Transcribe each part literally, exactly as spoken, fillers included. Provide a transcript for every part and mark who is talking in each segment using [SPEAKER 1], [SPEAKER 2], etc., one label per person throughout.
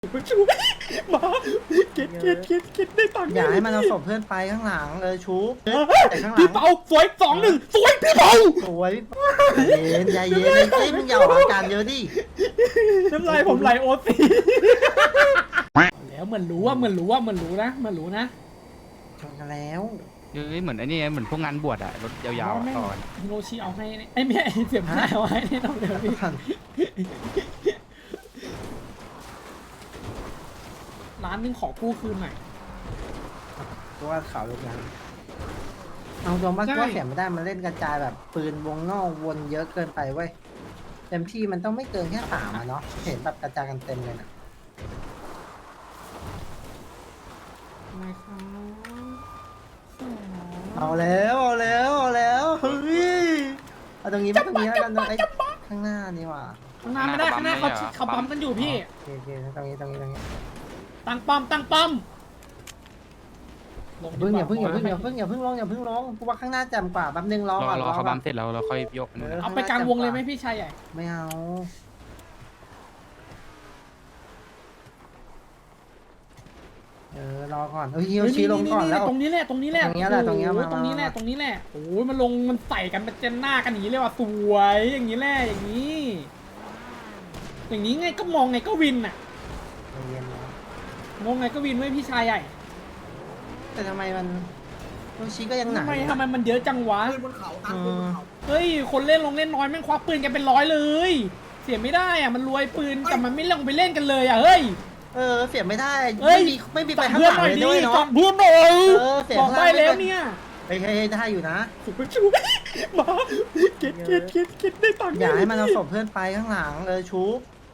[SPEAKER 1] มันชูมาเก็ตเก็ตเก็ตเก็ตได้ตังค์
[SPEAKER 2] อย่าให้มันเอาศพเพื่อนไปข้างหลังเออชูแต่ข้างหลั
[SPEAKER 1] พี่
[SPEAKER 2] ง
[SPEAKER 1] เปาสวยสองหนึ่งสวยพี่เปา
[SPEAKER 2] สวยเย็นใจเย็นเฮ้ยมึงอย่าออกอาการเยอะดิ
[SPEAKER 1] น้ำลายผมไหลโอซีแล้วเหมือนรู้ว่าเหมือนรู้ว่าเหมือนรู้นะเหมือนรู้นะ
[SPEAKER 2] ชนกันแล้ว
[SPEAKER 3] เฮ้ยเหมือนไอ้นี่เหมือนพวกงานบวชอะรถยาวๆก่อน
[SPEAKER 1] ฮิโรชิเอาให้ไอ้แม่เสียบหน้าเอาให้แน่นอนเลยพี่ร้านนึงขอกู้คืนหน่อย
[SPEAKER 2] ตัวเขาลูกนั้นเอาตัวมาตัวเสียไม่ได้มันเล่นกระจายแบบปืนวงนอกวนเยอะเกินไปเว้ยเต็มที่มันต้องไม่เกินแค่สามอะเนาะเห็นแบบกระจายกันเต็มเลยนะ
[SPEAKER 1] ไม่ครับสอง
[SPEAKER 2] เอาแล้วเอาแล้วเอาแล้วเฮ้ยเอาตรงนี้ไม่ตรงนี้แล้วกันไอ้ข้างหน้านี่ว่ะ
[SPEAKER 1] ข้างหน้าไม่ได้ข้างหน้าเขาเขาปั๊มกันอยู่พี่
[SPEAKER 2] โอเคโอเคตรงนี้ตรงนี้ตรงนี้
[SPEAKER 1] ตั้งป้อมตั้งป้อม
[SPEAKER 2] เพิ่งอย่าเพิ่งอย่าเพิ่งอย่าเพิ่งอย่าเพิ่งลงอย่าเพิ่งลงกูว่าข้างหน้าแจ่มกว่าแป๊บนึงรอ
[SPEAKER 3] รอ
[SPEAKER 2] ก่อน
[SPEAKER 3] รอเขาบัมเสร็จแล้วเราค่อยยกมัน
[SPEAKER 1] เอาไปกลางวงเลยไหมพี่ชายใหญ่
[SPEAKER 2] ไม่เอาเออรอก่อนเฮ้ยฮิโรชิลงก่อนแล้ว
[SPEAKER 1] ตรงนี้แหละตรงนี้แหละ
[SPEAKER 2] ตรงนี้แหละตรงนี้
[SPEAKER 1] โอ้โห
[SPEAKER 2] มา
[SPEAKER 1] ตรงนี้แหละ
[SPEAKER 2] มา
[SPEAKER 1] ตรงนี้แหละโอ้ยมันลงมันใส่กันเป็นเจนหน้ากันอย่างนี้เลยว่ะสวยอย่างนี้แหละอย่างนี้ อย่างนี้ไงก็มองไงก็วินน่ะ
[SPEAKER 2] ใจเย็นนะ
[SPEAKER 1] มองไงก็วินไว้พี่ชายใหญ่
[SPEAKER 2] แต่ทำไมมันฮิโรชิก็ยังหนั
[SPEAKER 1] ทำ
[SPEAKER 2] ก
[SPEAKER 1] ไม
[SPEAKER 2] อยู่นะ
[SPEAKER 1] ทำไมมันเยอะจังวะ
[SPEAKER 2] เออ
[SPEAKER 1] เฮ้ยคนเล่นลงเล่นน้อยแม่งควักปืนกันเป็นร้อยเลย เสียไม่ได้อ่ะมันรวยปืนแต่มันไม่ลงไปเล่นกันเลยอ่ะเฮ้ย
[SPEAKER 2] เออเสียไม่ได้
[SPEAKER 1] เอ้ย
[SPEAKER 2] ไม่มีไม่มีไป
[SPEAKER 1] สั่ง
[SPEAKER 2] ข้าง
[SPEAKER 1] เพื่
[SPEAKER 2] ห
[SPEAKER 1] อน
[SPEAKER 2] ลัง
[SPEAKER 1] หน่อย
[SPEAKER 2] เลย
[SPEAKER 1] ดิ
[SPEAKER 2] ด้วย
[SPEAKER 1] สั่
[SPEAKER 2] เนาะ
[SPEAKER 1] งเพื่อนหน่อย
[SPEAKER 2] เออเสีย
[SPEAKER 1] บอก
[SPEAKER 2] ข้างห
[SPEAKER 1] ได้
[SPEAKER 2] ลัง
[SPEAKER 1] แล้วเนี่ย
[SPEAKER 2] เฮ้ยเฮ้ยได้อยู่นะ
[SPEAKER 1] สุดไปชูมาเก็ตเก็ตเก็ตเก็ตได้ตังค์
[SPEAKER 2] อย่าให้มันเอาศพเพื่อนไปข้างหลังเออชู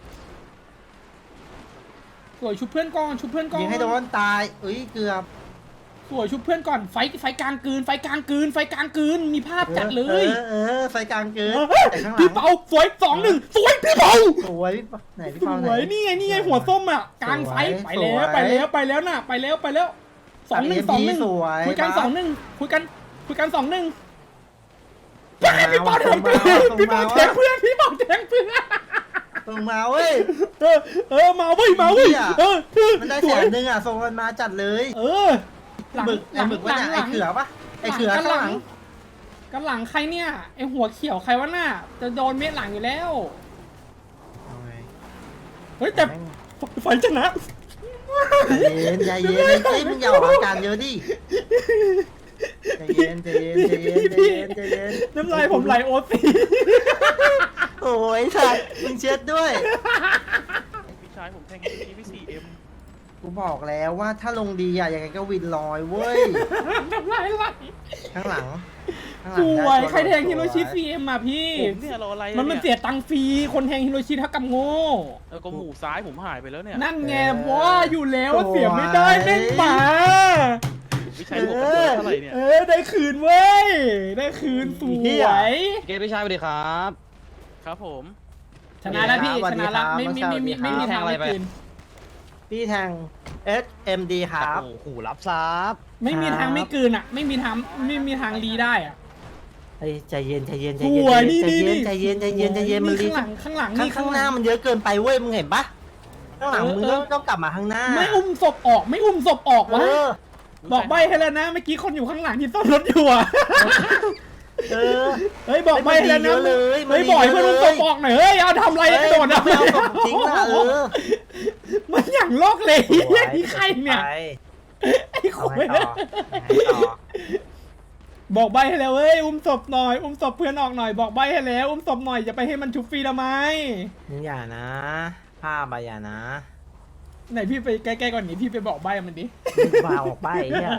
[SPEAKER 1] สวยชุบเพื่อนก่อนชุบเพื่อนก่อน
[SPEAKER 2] ยิงให้โดนตายเอ้ยเกือบ
[SPEAKER 1] สวยชุบเพื่อนก่อนไฟไฟกลางกืนไฟกลางกืนไฟกลางกืนมีภาพจัดเลย
[SPEAKER 2] เออเออไฟกลางเกินแต่ข้างหลั
[SPEAKER 1] พี่
[SPEAKER 2] ง
[SPEAKER 1] เปาสวยสองหนึ่งสวยพี่เปา
[SPEAKER 2] สวยไหนพี่
[SPEAKER 1] ส
[SPEAKER 2] เปาไหน
[SPEAKER 1] วยนี่ไงนี่ไงหัวส้มอ่ะกลางไฟ
[SPEAKER 2] สวย
[SPEAKER 1] ไปแล้ว
[SPEAKER 2] สวย
[SPEAKER 1] ไปแล้วไปแล้วน่ะไปแล้วไปแล้วสองหนึ่งสองหนึ่ง
[SPEAKER 2] สวย
[SPEAKER 1] คุยกัน
[SPEAKER 2] ปะ
[SPEAKER 1] สองหนึ่งคุยกันคุยกันสองหนึ่ง
[SPEAKER 2] มา
[SPEAKER 1] พี่เปาแทงเพื่อน
[SPEAKER 2] มา
[SPEAKER 1] พี่เปา
[SPEAKER 2] มา
[SPEAKER 1] แทงเพื่อนพี่เปาแทงเพื่อน
[SPEAKER 2] ส่งมาเว้ย
[SPEAKER 1] เออเออมาเว้ยมาเว้ย
[SPEAKER 2] เหี้ย
[SPEAKER 1] เออเออ
[SPEAKER 2] มันได้
[SPEAKER 1] ส
[SPEAKER 2] แส
[SPEAKER 1] วย
[SPEAKER 2] นหนึ่งอ่ะส่งมันมาจัดเลย
[SPEAKER 1] เออหลัง
[SPEAKER 2] หมึก
[SPEAKER 1] ห
[SPEAKER 2] ไอ้
[SPEAKER 1] ลัง
[SPEAKER 2] หมึก
[SPEAKER 1] ห
[SPEAKER 2] ว่า
[SPEAKER 1] ลัง
[SPEAKER 2] เนี่ย
[SPEAKER 1] หลัง
[SPEAKER 2] ไอ้เขือปะไอ้เขือ
[SPEAKER 1] กัน
[SPEAKER 2] ข้าง
[SPEAKER 1] ห
[SPEAKER 2] ห
[SPEAKER 1] ลั
[SPEAKER 2] ลั
[SPEAKER 1] ง
[SPEAKER 2] ง
[SPEAKER 1] กันหลังใครเนี่ยไอหัวเขียวใครวะน่ะจะโดนเม็ดหลังอยู่แล้ว
[SPEAKER 2] เอาไง
[SPEAKER 1] เฮ้ยแต่ไฟชนะ
[SPEAKER 2] ใจเย็นใจเย็นเฮ้ยมึงอย่าออกอาการเยอะดิใจเย็นใจเย็นใจเย็นใจเย็นใจเย็น
[SPEAKER 1] น้ำลายผมไหลโอซี
[SPEAKER 2] โอ้ยสัตว์มึงเช็ดด้วย
[SPEAKER 4] พี่ชายผมแทงทีพี่สี่เอ็ม
[SPEAKER 2] กูบอกแล้วว่าถ้าลงดีอะยังไงก็วินลอยเว้ย
[SPEAKER 1] น้ำลายไหล
[SPEAKER 2] ข้างหลังข้างห
[SPEAKER 1] ส
[SPEAKER 2] ลัง
[SPEAKER 1] วย
[SPEAKER 2] ได้
[SPEAKER 1] ใครแทงฮิโรชิ
[SPEAKER 2] สวย
[SPEAKER 1] ซีเอ็มอ่ะพี่
[SPEAKER 4] ผมเนี่ยรออะไร
[SPEAKER 1] มันมันเสียตังค์ฟรีคนแทงฮิโรชิเท่ากับโง่
[SPEAKER 4] เออก็หมูซ้ายผมหายไปแล้วเนี่ย
[SPEAKER 1] นั่นไงว่าอยู่แล้วว่าเสียไม่ได้แม่งหมา
[SPEAKER 4] พี่ชายผมเป็นตัวเท่าไหร่เนี่ย
[SPEAKER 1] เออได้คืนเว้ยได้คืนสวย
[SPEAKER 5] เกตพี่ชายสวัสดีครับ
[SPEAKER 4] ครับผม
[SPEAKER 1] ชนะแล้วพี่ชนะแล้วไม่ไม่ไม่ไม่ไม่มีทางได้คืน
[SPEAKER 2] พี่แทง S M D ครับ
[SPEAKER 5] โอ้โหรับซับ
[SPEAKER 1] ไม่มีทางไม่คืนอ่ะ ไม่มีทางไม่มีทางรีได้อ่ะ
[SPEAKER 2] เฮ้ยใจเย็นใจเย็นใจ
[SPEAKER 1] ส
[SPEAKER 2] เย็น
[SPEAKER 1] วยนี่
[SPEAKER 2] ใจ
[SPEAKER 1] นี่
[SPEAKER 2] เย็น
[SPEAKER 1] นี่
[SPEAKER 2] ใจเย็นใจเย็นใจเย็นมันรี
[SPEAKER 1] ข้างหลังข้างหลัง
[SPEAKER 2] ข้าง
[SPEAKER 1] นี่
[SPEAKER 2] ข้างหน้ามันเยอะเกินไปเว้ยมึงเห็นปะข้างหลังมึงต้องต้องกลับมาข้างหน้า
[SPEAKER 1] ไม่อุ้มศพออกไม่อุ้มศพออก
[SPEAKER 2] เอ
[SPEAKER 1] วะ
[SPEAKER 2] อ
[SPEAKER 1] บอกใบให้แล้วนะเมื่อกี้คนอยู่ข้างหลังที่ซ่อมรถอยู่อ่ะ
[SPEAKER 2] เออ
[SPEAKER 1] เฮ้ยบอกใบให้แล้วนะ
[SPEAKER 2] มันดีเยอะเลยมัน
[SPEAKER 1] เฮ้ย
[SPEAKER 2] ดี
[SPEAKER 1] บอกให้
[SPEAKER 2] เย
[SPEAKER 1] เพื่
[SPEAKER 2] อะ
[SPEAKER 1] อน
[SPEAKER 2] เลย
[SPEAKER 1] อุ้มศพออกหน่อยเฮ้ยเอาทำอะไรกระโดด
[SPEAKER 2] ไม่เอาศพจริงนะเออ
[SPEAKER 1] มันอย่างโลกเลยนี่ใครเนี่ย
[SPEAKER 2] ไป
[SPEAKER 1] ไอ้
[SPEAKER 2] เอา
[SPEAKER 1] คุ
[SPEAKER 2] ไง
[SPEAKER 1] ย
[SPEAKER 2] ต่อเอาไงต่อ
[SPEAKER 1] บอกใบให้แล้วเฮ้ยอุ้มศพหน่อยอุ้มศพเพื่อนออกหน่อยบอกใบให้แล้วอุ้มศพหน่อยอย่าไปให้มันชุบฟรีทำไม
[SPEAKER 2] มึงอย่านะภาพอะอย่านะ
[SPEAKER 1] ไหนพี่ไปใกล้ๆก่อนนี้พี่ไปบอกใบมันดิ
[SPEAKER 2] มึงเบาออกไปเนี่ย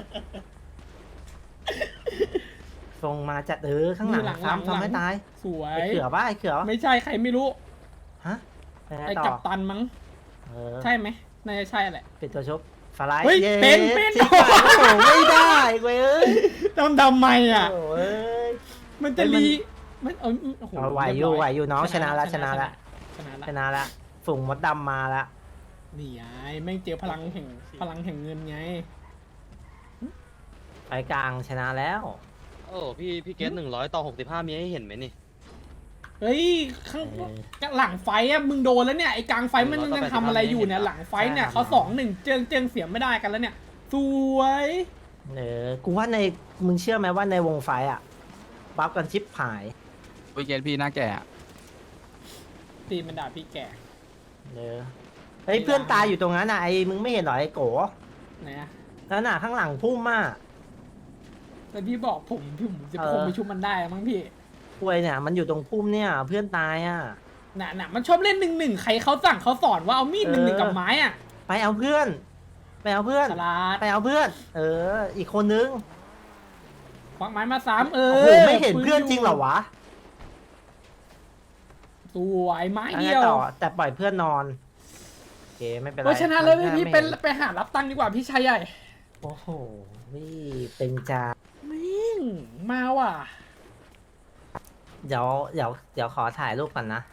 [SPEAKER 2] ส่งมาจัดเออข้างหลังซ้ำซ้ำให้ตาย
[SPEAKER 1] สวย
[SPEAKER 2] ไอ้เขือปะไอ้เขือปะ
[SPEAKER 1] ไม่ใช่ใครไม่รู้
[SPEAKER 2] ฮะไปไหน
[SPEAKER 1] ไอ้
[SPEAKER 2] ต่อ
[SPEAKER 1] กัปตันมั้ง
[SPEAKER 2] เออ
[SPEAKER 1] ใช่ไหมน่าจะใช่แหละ
[SPEAKER 2] เป็นตัวชบฟลาย
[SPEAKER 1] เฮ้ย
[SPEAKER 2] ย้
[SPEAKER 1] เป็นเป็น
[SPEAKER 2] สิบบาทโอ้โหไม่ได้เว้ยเอ้ย
[SPEAKER 1] ทำทำไมอ่ะ
[SPEAKER 2] โอ้ย
[SPEAKER 1] มันจะรีมันเออโอ้โห
[SPEAKER 2] เอาไหวอยู่ไหวอยู่น้องชนะละชนะละ
[SPEAKER 1] ชนะละ
[SPEAKER 2] ชนะละฝูงมดดำมาละ
[SPEAKER 1] นี่ไงแม่งเจอพลังแห่งพลังแห่งเงินไง
[SPEAKER 2] ไปกลางชนะแล้ว
[SPEAKER 5] โอ้พี่พี่เกตหนึ่งร้อยต่อหกสิบห้ามีให้เห็นไหมนี่
[SPEAKER 1] เฮ้ยข้าง
[SPEAKER 2] เออ
[SPEAKER 1] หลังไฟอะมึงโดนแล้วเนี่ยไอ้กลางไฟมันยังทำอะไรอยู่เนี่ยหลังไฟเนี่ยเขาสองหนึ่งเจิงเจิงเสียไม่ได้กันแล้วเนี่ยสวย
[SPEAKER 2] เออกูว่าในมึงเชื่อไหมว่าในวงไฟอ่ะบัฟกันชิปหาย
[SPEAKER 3] วีเกนพี่หน้าแก่อะ
[SPEAKER 1] ตีมันด่าพี่แก่
[SPEAKER 2] เออเฮ้ยเพื่อนตายอยู่ตรงนั้นน่ะไอ้มึงไม่เห็นเหรอไอ้โก
[SPEAKER 1] ไหนอะ
[SPEAKER 2] นั่นน่ะข้างหลังพุ่มอ่ะ
[SPEAKER 1] แต่พี่บอกผมพี่ผมจะ
[SPEAKER 2] เออ
[SPEAKER 1] ผมไปชุบมันได้มั้งพี่
[SPEAKER 2] ป่วยเนี่ยมันอยู่ตรงพุ่มเนี่ยเพื่อนตายอ่ะ
[SPEAKER 1] น่ะน่ะมันชอบเล่นหนึ่งหนึ่งใครเขาสั่งเขาสอนว่าเอามีดหนึ่งหนึ่ง
[SPEAKER 2] เออ
[SPEAKER 1] กับไม้อะ
[SPEAKER 2] ไปเอาเพื่อน ไปเอาเพื่อน
[SPEAKER 1] สลัด
[SPEAKER 2] ไปเอาเพื่อน เออ อีกคนนึง
[SPEAKER 1] ควักไม้มาสามเอ
[SPEAKER 2] โอ้
[SPEAKER 1] อ
[SPEAKER 2] โหไม่เห็นเพื่อนจริงเหรอวะ
[SPEAKER 1] สวยไม้
[SPEAKER 2] อัน
[SPEAKER 1] เดี
[SPEAKER 2] นี้
[SPEAKER 1] ยว
[SPEAKER 2] ต่อแต่ปล่อยเพื่อนนอนโอเคไม่เป็นไร
[SPEAKER 1] เพราะฉะนั้นเลย
[SPEAKER 2] มั
[SPEAKER 1] พี่
[SPEAKER 2] ไม่
[SPEAKER 1] เป็นไปหารับตังค์ดีกว่าพี่ชายใหญ่
[SPEAKER 2] โอ้โหนี่เป็นจา
[SPEAKER 1] มิ่งมาว่ะ
[SPEAKER 2] เดี๋ยวเดี๋ยวเดี๋ยวขอถ่ายรูปก่อนนะ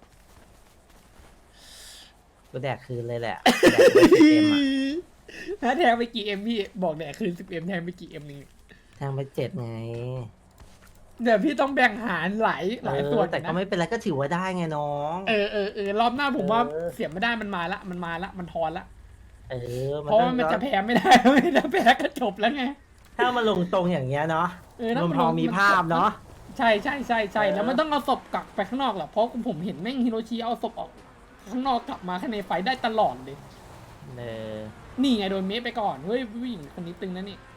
[SPEAKER 2] กูแดกคืนเลยแหละแดกไปสิบเอ็มอะ
[SPEAKER 1] ถ้าแทงไปกี่เอ็มพี่บอกแดกคืนสิบเอ็มแทงไปกี่เอ็มนึง
[SPEAKER 2] แทงไปเจ็ดไง
[SPEAKER 1] เดี๋ยวพี่ต้องแบ่งหารหลายหลายส่วน
[SPEAKER 2] เออแต่ก็
[SPEAKER 1] นะ
[SPEAKER 2] ไม่เป็นไรก็ถือว่าได้ไงน้อง
[SPEAKER 1] เออเออเออรอบหน้าผมว่า
[SPEAKER 2] เออ
[SPEAKER 1] เสียไม่ได้มันมาละมันมาละมันทอนละ
[SPEAKER 2] เออ
[SPEAKER 1] เพราะว่ามัน
[SPEAKER 2] ต้อง
[SPEAKER 1] จะแพ้ไม่ได้ ไม่ได้แพ้ก็จบแล้วไง
[SPEAKER 2] ถ้ามาลงตรงอย่างเงี้ยเนาะ
[SPEAKER 1] เออถ้า
[SPEAKER 2] มัน
[SPEAKER 1] มัน
[SPEAKER 2] พอ
[SPEAKER 1] ลง
[SPEAKER 2] มี
[SPEAKER 1] มัน
[SPEAKER 2] ภาพเนาะ
[SPEAKER 1] ใช่ใช่ใช่ใช่
[SPEAKER 2] เออ
[SPEAKER 1] แล้วมันต้องเอาศพกลับไปข้างนอกแหละเพราะผมเห็นแม่งฮิโรชิเอาศพออกข้างนอกกลับมาข้างในไฟได้ตลอดเลย
[SPEAKER 2] เออ
[SPEAKER 1] นี่ไงโดนเมฟไปก่อนเฮ้ยผู้หญิงคนนี้ตึงนะนี่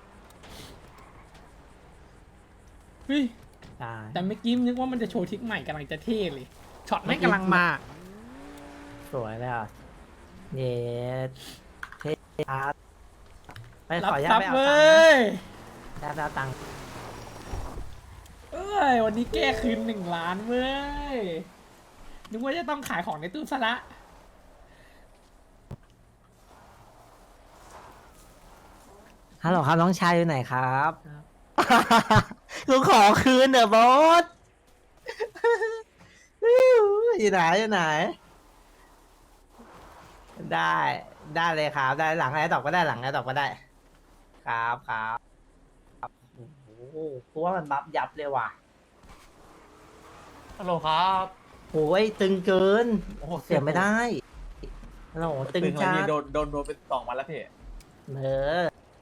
[SPEAKER 1] เฮ้ย
[SPEAKER 2] ได้
[SPEAKER 1] แต่เมื่อกี้นึกว่ามันจะโชว์ทริกใหม่กำลังจะเท่เลยช็อตไม่งกำลังมา
[SPEAKER 2] สวยเลยอ่ะเย้เท่อาร์ตไป
[SPEAKER 1] รับ
[SPEAKER 2] ขออนุญา
[SPEAKER 1] ท
[SPEAKER 2] ต
[SPEAKER 1] รัพ
[SPEAKER 2] ไป
[SPEAKER 1] ย์
[SPEAKER 2] เอา
[SPEAKER 1] เว
[SPEAKER 2] ตังค์
[SPEAKER 1] ้ย
[SPEAKER 2] ได้แล้วตังค์
[SPEAKER 1] เอ้ยวันนี้แก้คืนหนึ่งล้านเว้ยนึกว่าจะต้องขายของในตู้ซะละ
[SPEAKER 2] ฮัลโหลครับน้องชายอยู่ไหนครับกูขอคืนเดอะบอสอยู่ไหนอยู่ไหน ได้ได้เลยครับได้หลังไอ้ตอบก็ได้หลังไอ้ตอบก็ได้ ครับครับโอ้โหกูว่ามันบัฟยับเลยว่ะ
[SPEAKER 5] ฮัลโหลครับ
[SPEAKER 2] โอ้ยตึงเกิน
[SPEAKER 5] โอ้โห
[SPEAKER 2] เสียไม่ได้ฮัลโหลตึง
[SPEAKER 5] ตึง
[SPEAKER 2] จ้า
[SPEAKER 5] วันนี้โดนโดนโดนเป็นสองวันแล้วพี่
[SPEAKER 2] เออ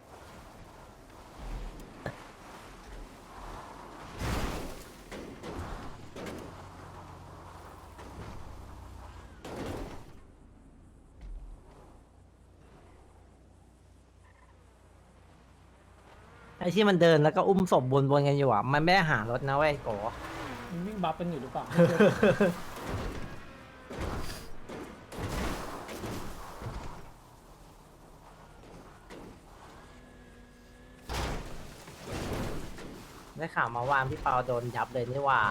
[SPEAKER 2] ไอ้ที่มันเดินแล้วก็อุ้มศพวนๆกันอยู่อ่ะ มันไม่ได้หารถนะเว้ยโก
[SPEAKER 1] มันวิ่งบัฟกันอยู่หรือเปล่า
[SPEAKER 2] ได้ข่าวมาวานพี่เปาโดนยับเลยนี่หว่า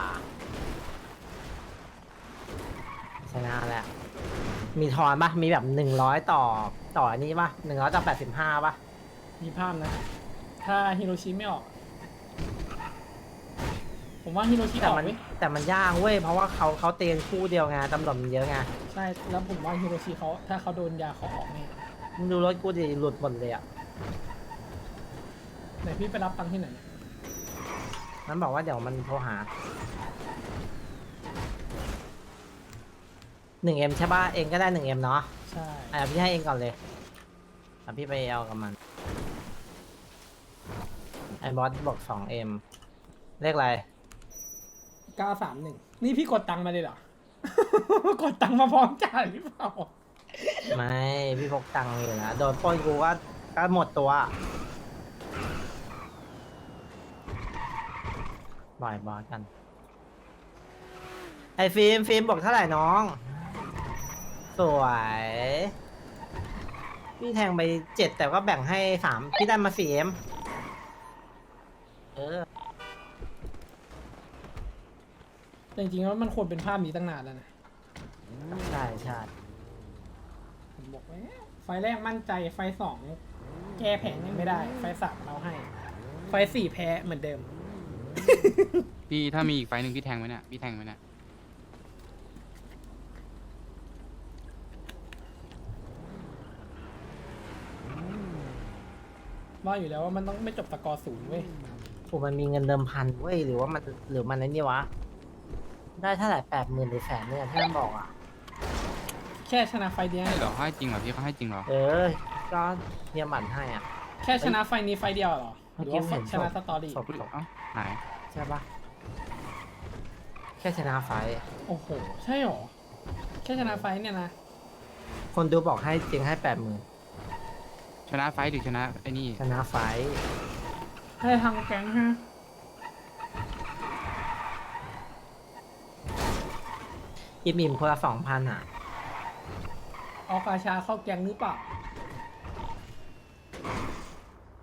[SPEAKER 2] ชนะแล้ว มีทอนปะมีแบบหนึ่งร้อยต่อต่ออันนี้ปะหนึ่งร้อยต่อแปดสิบห้าปะ
[SPEAKER 1] มีภาพนะ ถ้าฮิโรชิไม่ออก ผมว่าฮิโรชิอ
[SPEAKER 2] แต่
[SPEAKER 1] อก
[SPEAKER 2] มัน
[SPEAKER 1] เว้ย
[SPEAKER 2] แต่มันยากเว้ยเพราะว่าเขาเขาเตียนคู่เดียวไงตำรวจมันเยอะไง
[SPEAKER 1] ใช่ แล้วผมว่าฮิโรชิเขาถ้าเขาโดนยาเขาออกแน่
[SPEAKER 2] มึงดูรถกูดิหลุดหมดเลยอ่ะ
[SPEAKER 1] ไหนพี่ไปรับตังค์ที่ไหนเนี่ย
[SPEAKER 2] มันบอกว่าเดี๋ยวมันโทรหาหนึ่งเอ็มใช่ป่ะเองก็ได้หนึ่งเอ็มเนาะ
[SPEAKER 1] ใช่
[SPEAKER 2] อ่ะพี่ให้เองก่อนเลยอ่ะพี่ไปเอากับมันไอ้บอสบอกสองเอ็มเลขอะไร
[SPEAKER 1] เก้าสามหนึ่งนี่พี่กดตังค์มาเลยเหรอ กดตังค์มาพร้อมจ่ายหรือเปล่า
[SPEAKER 2] ไม่พี่พกตังค์อยู่นะโดนปล้นกูก็ก็หมดตัวบ่อยบอสกัน ไอ้ฟิล์มฟิล์มบอกเท่าไหร่น้อง สวย พี่แทงไปเจ็ดแต่ก็แบ่งให้สามพี่ได้มาสี่เอ็มเออ
[SPEAKER 1] แต่จริงๆแล้วมันควรเป็นภาพนี้ตั้งนานแล้วนะ
[SPEAKER 2] ใช่ใช่
[SPEAKER 1] ผมบอกแล้วไฟแรกมั่นใจไฟสองแก้แผงยังไม่ได้ ไฟสามเราให้ ไฟสี่แพ้เหมือนเดิม
[SPEAKER 3] พี่ถ้ามีอีกไฟล์หนึ่งพี่แทงไหมเนี่ยพี่แทงไหมเนี่ย
[SPEAKER 1] ว่าอยู่แล้วว่ามันต้องไม่จบสกอร์ศูนย์เว้ย
[SPEAKER 2] ผมมันมีเงินเดิมพันเว้ยหรือว่ามันหรือมันไอ้นี่วะได้เท่าไหร่แปดหมื่นหรือแสนเนี่ยที่มันบอกอ่ะ
[SPEAKER 1] แค่ชนะไฟเดียว
[SPEAKER 3] ใช่เหรอให้จริงเหรอพี่เขาให้จริงเหรอ
[SPEAKER 2] เออ ก็เนี่ยหมันให้อ่ะ
[SPEAKER 1] แค่ชนะไฟนี้ไฟเดียวเหรอหรือว่า
[SPEAKER 2] เมื่อกี้เห็น
[SPEAKER 1] ชนะสตอรี่
[SPEAKER 2] ศพ
[SPEAKER 3] เอ้าไหน
[SPEAKER 2] ใช่ปะแค่ชนะไฟท์
[SPEAKER 1] โอ้โห ใช่เหรอ แค่ชนะไฟเนี่ยนะ
[SPEAKER 2] คนดูบอกให้จริงให้แปดหมื่น
[SPEAKER 3] ชนะไฟท์หรือชนะไอ้นี่
[SPEAKER 2] ชนะไฟท์
[SPEAKER 1] ให้ทางแก๊งฮะ
[SPEAKER 2] อิ่มอิ่มคนละสองพันอ่ะ
[SPEAKER 1] เอากาชาเข้าแก๊งหรือเปล่า